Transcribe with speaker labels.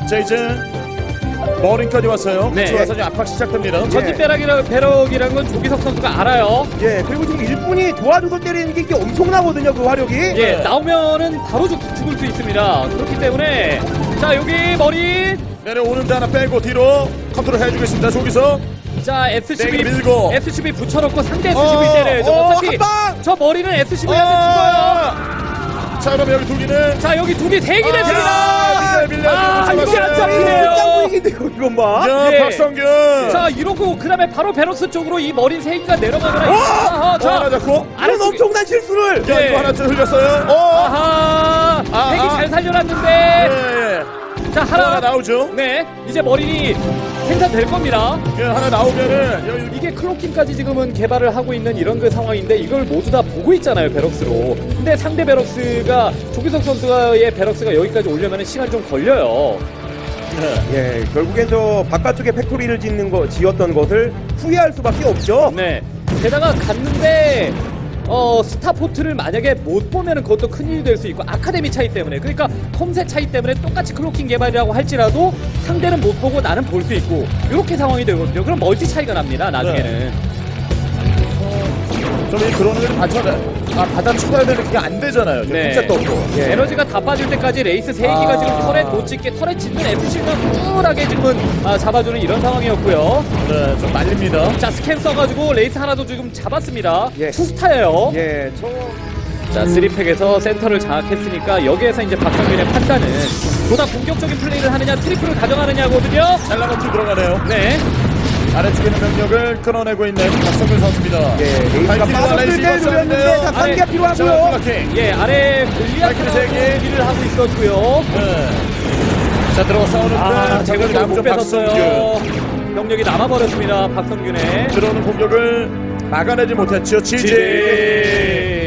Speaker 1: 자, 이제 머린까지 왔어요.
Speaker 2: 네.
Speaker 1: 와서 이제 압박 시작됩니다.
Speaker 2: 전진 배럭이라는 건 조기석 선수가 알아요.
Speaker 3: 예, 그리고 지금 일꾼이 도와줘서 때리는 게 이게 엄청나거든요, 그 화력이.
Speaker 2: 예, 나오면은 바로 죽을 수 있습니다. 그렇기 때문에 자 여기 머리
Speaker 1: 내려오는데 하나 빼고 뒤로 컨트롤 해주겠습니다. 저기서
Speaker 2: 자 SCB
Speaker 1: 네, 밀고.
Speaker 2: SCB 붙여놓고 상대 SCB 때려야죠. 어차피
Speaker 1: 한 방!
Speaker 2: 저 머리는 SCB한테 죽어요.
Speaker 1: 자, 그럼 여기 두 개는
Speaker 2: 자 여기 두 개 세 개를 드립니다.
Speaker 1: 밀려.
Speaker 2: 아 이게 안
Speaker 1: 잡았어요.
Speaker 2: 잡히네요.
Speaker 3: 짱구이긴데요, 이건 봐.
Speaker 1: 야,
Speaker 2: 예.
Speaker 1: 박성균.
Speaker 2: 자 이러고 그 다음에 바로 베럭스 쪽으로 이 머리 세 개가 내려가면
Speaker 1: 하나
Speaker 2: 자
Speaker 1: 잡고.
Speaker 3: 이런 엄청난 실수를.
Speaker 1: 야,
Speaker 2: 예.
Speaker 1: 이거 하나 좀 흘렸어요.
Speaker 2: 아하
Speaker 1: 아하.
Speaker 2: 핵이 잘 살려놨는데
Speaker 1: 예.
Speaker 2: 자
Speaker 1: 하나
Speaker 2: 하나
Speaker 1: 나오죠.
Speaker 2: 네 이제 머리 생산될 겁니다.
Speaker 1: 예, 하나 나오면은 여기
Speaker 2: 이게 클로킹까지 지금은 개발을 하고 있는 이런 그 상황인데 이걸 모두 다 보고 있잖아요 베럭스로. 근데 상대 베럭스가 조기석 선수의 베럭스가 여기까지 오려면 시간이 좀 걸려요.
Speaker 3: 예, 결국엔 저 바깥쪽에 팩토리를 지었던 것을 후회할 수밖에 없죠.
Speaker 2: 네. 게다가 갔는데 스타포트를 만약에 못 보면은 그것도 큰일이 될 수 있고 아카데미 차이 때문에 그러니까 컴셋 차이 때문에 똑같이 클로킹 개발이라고 할지라도 상대는 못 보고 나는 볼 수 있고 이렇게 상황이 되거든요. 그럼 멀티 차이가 납니다 나중에는.
Speaker 1: 좀 이 드론을 받아쳐야 되는 그게 안 되잖아요.
Speaker 2: 네.
Speaker 1: 진짜 떴고.
Speaker 3: 예.
Speaker 2: 에너지가 다 빠질 때까지 레이스 3기가 지금 터렛 못 찍게 터렛 짓는 FC가 쿨하게 지금은 잡아주는 이런 상황이었고요.
Speaker 1: 네, 좀 말립니다.
Speaker 2: 자 스캔 써가지고 레이스 하나도 지금 잡았습니다.
Speaker 3: 예.
Speaker 2: 투스타예요.
Speaker 3: 예,
Speaker 2: 자 3팩에서 센터를 장악했으니까 여기에서 이제 박성균의 판단은 보다 공격적인 플레이를 하느냐 트리플을 가져가느냐거든요.
Speaker 1: 잘라먹기 들어가네요.
Speaker 2: 네.
Speaker 1: 아래쪽에 있는 병력을 끊어내고 있는 박성균 선수입니다.
Speaker 3: 예, 레이스가
Speaker 1: 발키리가
Speaker 3: 빠졌을
Speaker 1: 레이스
Speaker 3: 때 노렸는데
Speaker 1: 입었었는데요.
Speaker 3: 자,
Speaker 2: 아래,
Speaker 3: 상기가 필요하고요.
Speaker 2: 예 아래
Speaker 1: 발키리 세 개.
Speaker 2: 골리아트를 하고 있었고요.
Speaker 1: 네. 자, 들어가 싸우는데
Speaker 2: 제가
Speaker 1: 병력이
Speaker 2: 못
Speaker 1: 남죠.
Speaker 2: 뺏었어요.
Speaker 1: 박성균.
Speaker 2: 병력이 남아버렸습니다. 박성균의
Speaker 1: 들어오는 공격을 막아내지 못했죠. 지지.